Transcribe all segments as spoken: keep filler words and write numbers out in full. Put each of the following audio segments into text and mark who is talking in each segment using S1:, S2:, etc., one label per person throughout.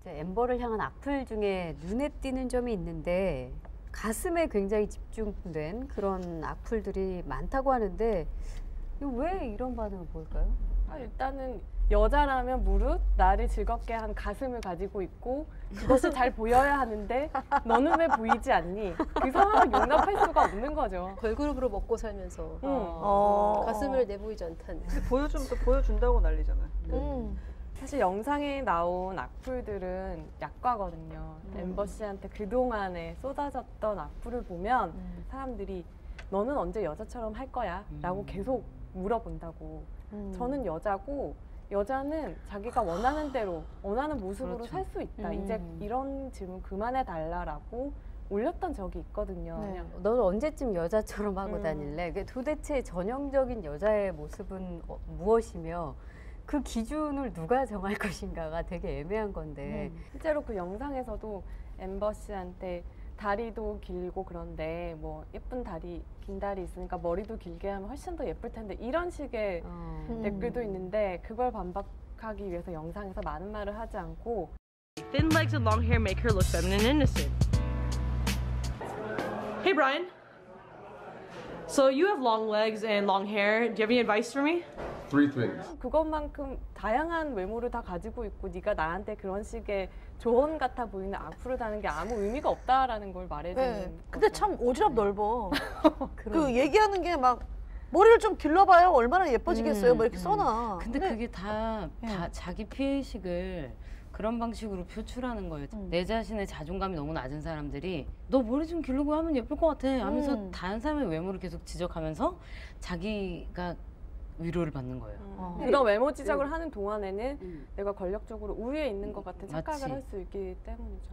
S1: 엠버를 향한 악플 중에 눈에 띄는 점이 있는데 가슴에 굉장히 집중된 그런 악플들이 많다고 하는데 왜 이런 반응을 보일까요?
S2: 아, 일단은 여자라면 무릇 나를 즐겁게 한 가슴을 가지고 있고 그것이 잘 보여야 하는데 너는 왜 보이지 않니? 그 상황을 용납할 수가 없는 거죠.
S3: 걸그룹으로 먹고 살면서
S2: 응.
S3: 어. 가슴을 내보이지 않다는.
S4: 근데 보여주면 또 보여준다고 난리잖아요.
S3: 음.
S2: 사실 영상에 나온 악플들은 약과거든요.
S3: 음.
S2: 엠버 씨한테 그동안에 쏟아졌던 악플을 보면
S3: 음.
S2: 사람들이 너는 언제 여자처럼 할 거야? 라고 계속 물어본다고.
S3: 음.
S2: 저는 여자고 여자는 자기가 원하는 대로 원하는 모습으로
S1: 그렇죠.
S2: 살 수 있다.
S3: 음.
S2: 이제 이런 질문 그만해 달라라고 올렸던 적이 있거든요.
S3: 네.
S2: 그냥
S1: 너는 언제쯤 여자처럼 하고
S2: 음.
S1: 다닐래? 그 도대체 전형적인 여자의 모습은 어, 무엇이며 그 기준을 누가 정할 것인가가 되게 애매한 건데
S3: 음.
S2: 실제로 그 영상에서도 엠버 씨한테 다리도 길고 그런데 뭐 예쁜 다리, 긴 다리 있으니까 머리도 길게 하면 훨씬 더 예쁠 텐데 이런 식의
S1: 어.
S3: 음.
S2: 댓글도 있는데 그걸 반박하기 위해서 영상에서 많은 말을 하지 않고
S5: Thin legs and long hair make her look feminine and innocent. Hey Brian. So you have long legs and long hair. Do you have any advice for me?
S6: Three things.
S2: 그것만큼 다양한 외모를 다 가지고 있고 네가 나한테 그런 식의 조언 같아 보이는 악플을 다는 게 아무 의미가 없다라는 걸 말해주는
S7: 네.
S2: 거죠.
S7: 근데 참 오지랖 넓어. 그 얘기하는 게 막 머리를 좀 길러봐요. 얼마나 예뻐지겠어요.
S1: 음,
S7: 뭐 이렇게
S1: 음.
S7: 써놔.
S8: 근데 그게 다, 다
S7: 예.
S8: 자기 피해의식을 그런 방식으로 표출하는 거예요.
S7: 음.
S8: 내 자신의 자존감이 너무 낮은 사람들이 너 머리 좀 기르고 하면 예쁠 것 같아 하면서
S7: 음.
S8: 다른 사람의 외모를 계속 지적하면서 자기가 위로를 받는 거예요.
S2: 음.
S7: 어.
S2: 그런 외모 지적을 하는 동안에는
S1: 음.
S2: 내가 권력적으로 우위에 있는 것 같은 착각을
S8: 맞지.
S2: 할 수 있기 때문이죠.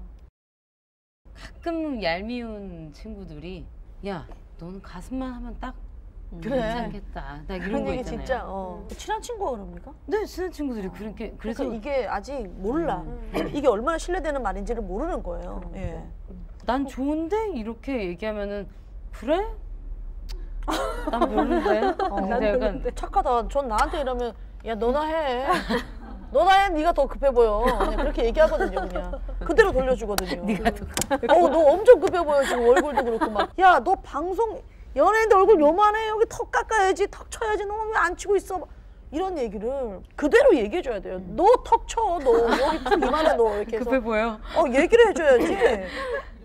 S8: 가끔 얄미운 친구들이 야 너는 가슴만 하면 딱
S7: 그래.
S8: 괜찮겠다. 나 이런
S7: 그런
S8: 거
S7: 얘기
S8: 있잖아요.
S7: 진짜 어. 친한 친구가 그럽니까?
S8: 네 친한 친구들이 그렇게 그래서
S7: 그래서 이게 아직 몰라.
S2: 음.
S7: 이게 얼마나 신뢰되는 말인지를 모르는 거예요. 예.
S8: 난 좋은데 이렇게 얘기하면은 그래? 난 별론데.
S7: 어,
S8: 난 약간
S7: 착하다. 전 나한테 이러면 야 너나 해. 너나 해. 네가 더 급해 보여. 그냥 그렇게 얘기하거든요. 그냥 그대로 돌려주거든요.
S8: 네가 더
S7: 어우 너 엄청 급해 보여 지금 얼굴도 그렇고 막. 야 너 방송 연예인들 얼굴 요만해. 여기 턱 깎아야지. 턱 쳐야지. 너 왜 안 치고 있어? 이런 얘기를 그대로 얘기해줘야 돼요. 너 턱 쳐. 너 여기 턱 이만해 너 이렇게 해서.
S8: 급해 보여.
S7: 어 얘기를 해줘야지.